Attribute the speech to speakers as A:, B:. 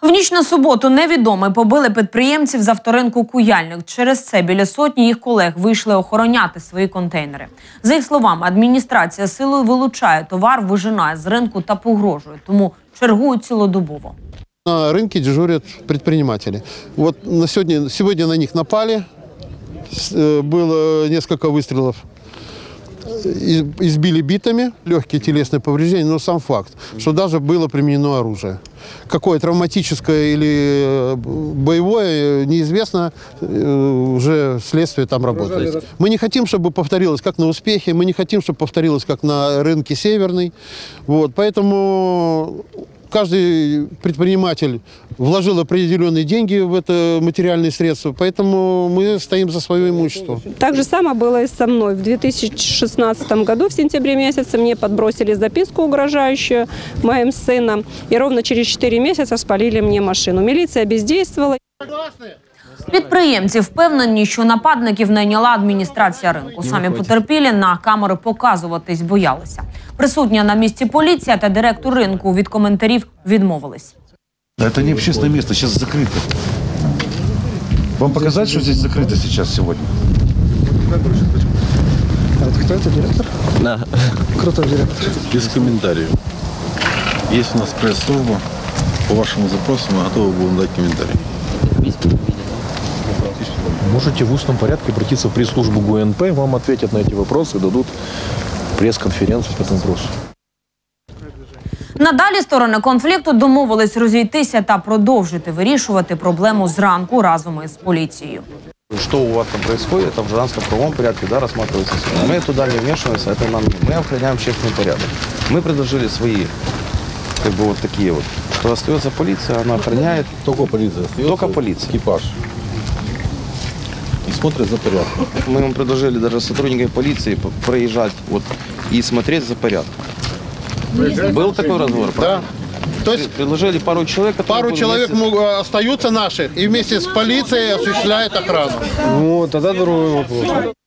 A: В ніч на суботу невідомі побили підприємців з авторинку «Куяльник». Через це біля сотні їх колег вийшли охороняти свої контейнери. За їх словами, адміністрація силою вилучає товар, вижинає з ринку та погрожує, тому чергують цілодобово.
B: На рынке дежурят предприниматели. Вот сегодня на них напали, было несколько выстрелов, избили битами, легкие телесные повреждения, но сам факт, что даже было применено оружие. Какое травматическое или боевое, неизвестно, уже следствие там работает. Мы не хотим, чтобы повторилось как на Успехе, мы не хотим, чтобы повторилось как на рынке Северный. Вот, поэтому каждый предприниматель вложил определенные деньги в это материальные средства, поэтому мы стоим за свое имущество.
C: Так же самое было и со мной. В 2016 году, в сентябре месяце, мне подбросили записку угрожающую моим сыном, и ровно через 4 месяца спалили мне машину. Милиция бездействовала.
A: Підприємці впевнені, що нападників найняла адміністрація ринку. Самі потерпілі на камери показуватись боялися. Присутня на місці поліція та директор ринку від коментарів відмовились.
D: Это не общественное место, сейчас закрыто. Вам показать, что здесь закрыто сейчас сегодня?
E: Кто это, директор?
F: Да.
E: Крутой директор.
F: Без комментариев. Есть у нас пресс-служба. По вашему запросу мы готовы будем дать комментарий.
G: Можете в устном порядке обратиться в пресс-службу ГУНП, вам ответят на эти вопросы и дадут пресс-конференцию по этому вопросу.
A: Надалі сторони конфлікту домовились розійтися та продовжити вирішувати проблему зранку разом із поліцією.
H: Что у вас там происходит, это в гражданско-правовом порядке, да, рассматривается судом. Мы туда не вмешиваемся, это мы охраняем общественный порядок. Мы предложили свои, как бы вот такие вот, что остается полиция, она охраняет.
F: Только полиция остается.
H: Только полиция.
F: Экипаж. И смотрят за порядком.
H: Мы вам предложили даже сотрудникам полиции проезжать вот и смотреть за порядком. Был такой разговор?
B: Да. То есть
H: предложили пару человек,
B: пару человек остаются наши и вместе с полицией осуществляют охрану.
E: Ну, тогда другой вопрос.